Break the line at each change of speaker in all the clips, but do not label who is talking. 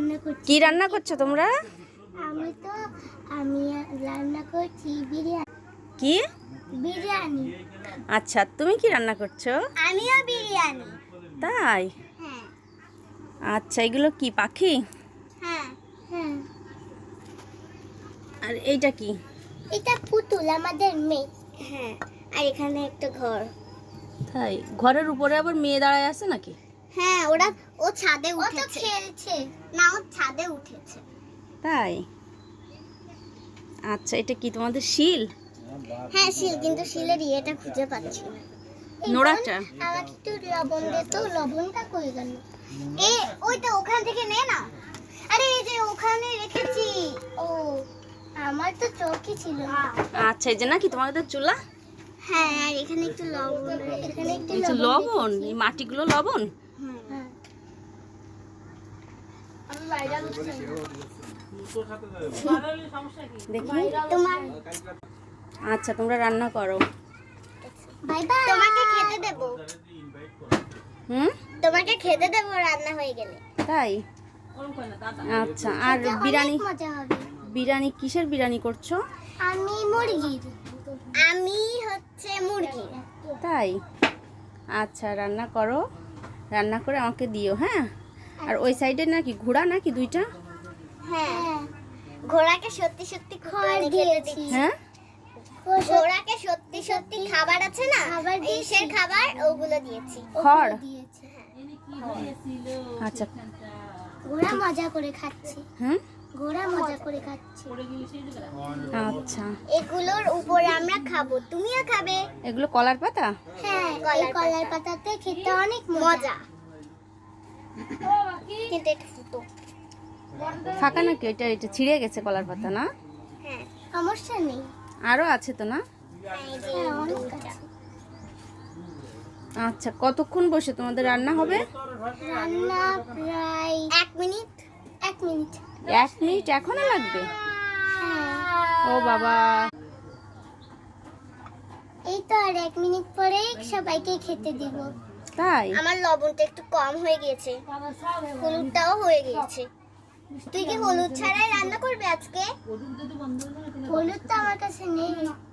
রান্না করছি।
কি রান্না করছো তোমরা?
আমি রান্না করছি বিরিয়ানি।
কি
বিরিয়ানি?
আচ্ছা, তুমি কি রান্না করছো?
আমিও বিরিয়ানি।
তাই?
হ্যাঁ
আচ্ছা, এগুলো কি পাখি?
হ্যাঁ হ্যাঁ।
আর এইটা কি?
এটা পুতুল, আমাদের মেয়ে। হ্যাঁ, আর এখানে একটা ঘর।
তাই? ঘরের উপরে আবার মেয়ে দাঁড়ায় আছে নাকি?
হ্যাঁ, ও ছাদে উঠেছে। ও তো খেলছে। না, ও ছাদে উঠেছে।
তাই? আচ্ছা, এটা কি তোমাদের শিল?
হ্যাঁ শিল, কিন্তু শিলের ইয়েটা খুঁজে পাচ্ছি না।
নোড়াটা?
আমাকে একটু লবণ দে তো। লবণটা কই গেল? ওইটা ওখান থেকে নে না। আরে এই যে ওখানে রেখেছি। ও, আমার তো চোখই ছিল না।
আচ্ছা, এই যে নাকি তোমাদের চুলা?
হ্যাঁ, আর এখানে একটু লবণ। এখানে একটু
আচ্ছা, লবণ? এই মাটিগুলো লবণ?
হ্যাঁ।
দেখি।
তোমার
আচ্ছা, তোমরা রান্না করো।
Bye bye. তোমাকে খেতে দেব। তোমাকে খেতে দেব রান্না হয়ে গেলে।
তাই? আচ্ছা, আর বিরিয়ানি?
মজা হবে।
বিরিয়ানি কিসের বিরিয়ানি করছো?
আমি মুরগির। আমি হচ্ছে মুরগি।
তাই? আচ্ছা, রান্না করো। রান্না করে আমাকে দিও, হ্যাঁ? আর ওই সাইডে নাকি ঘোড়া নাকি দুইটা?
হ্যাঁ, ঘোড়াকে সত্যি সত্যি খড় দিয়েছি।
হ্যাঁ,
ঘোড়াকে সত্যি সত্যি খাবার আছে না, ইসের খাবার, ওগুলো দিয়েছি।
খড়? আচ্ছা।
ঘোড়া মজা করে খাচ্ছে।
হুম,
ঘোড়া মজা করে খাচ্ছে।
আচ্ছা।
এগুলোর উপরে আমরা খাবো, তুমিও খাবে।
এগুলো কলার পাতা?
হ্যাঁ, এই কলার পাতাতে খেতে অনেক মজা। কিন্তু এটা ফুটো।
ফাঁকা নাকি? এটা এটা ছিঁড়ে গেছে কলার পাতা, না?
হ্যাঁ, সমস্যা নেই।
আরো আছে তো, না?
হ্যাঁ, অনেক আছে।
আচ্ছা, কতক্ষণ বসে তোমাদের রান্না হবে?
রান্না প্রায় 1 মিনিট। 1 মিনিট।
1 মিনিট এখনো লাগবে?
হ্যাঁ।
ও বাবা!
এই তো আর 1 মিনিট পরেই সবাইকে খেতে দিব।
তাই?
আমার লবণটা একটু কম হয়ে গিয়েছে, হলুদটাও হয়ে গিয়েছে। তুই কি হলুদ ছাড়াই রান্না করবে আজকে? হলুদ তো আমার কাছে নেই।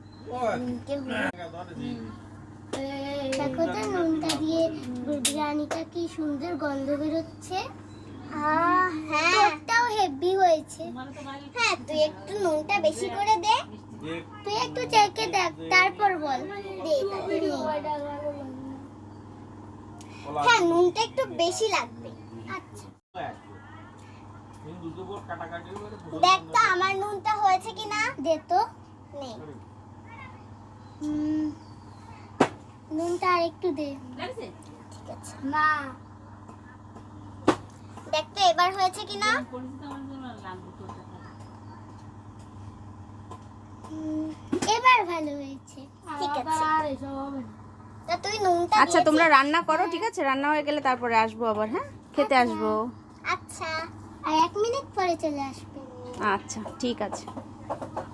দেখো তো, নুনটা দিয়ে বিরিয়ানিটা কি সুন্দর গন্ধ বেরোচ্ছে। হ্যাঁ, তোরটাও হেভি হয়েছে। হ্যাঁ, তুই একটু নুনটা বেশি করে দে। তুই একটু চেখে দেখ, তারপর বল। হ্যাঁ, নুনটা একটু বেশি লাগবে। আচ্ছা, দেখ তো আমার নুনটা হয়েছে কিনা। দে তো। নে, নুনটা আর একটু দে। ঠিক আছে মা। দেখ তো এবার হয়েছে কিনা। এবার ভালো হয়েছে। ঠিক আছে, তা তুই নুনটা।
আচ্ছা, তোমরা রান্না করো, ঠিক আছে? রান্না হয়ে গেলে তারপরে আসবো আবার, হ্যাঁ? খেতে আসবো।
আচ্ছা, আর 1 মিনিট পরে চলে আসবে।
আচ্ছা, ঠিক আছে।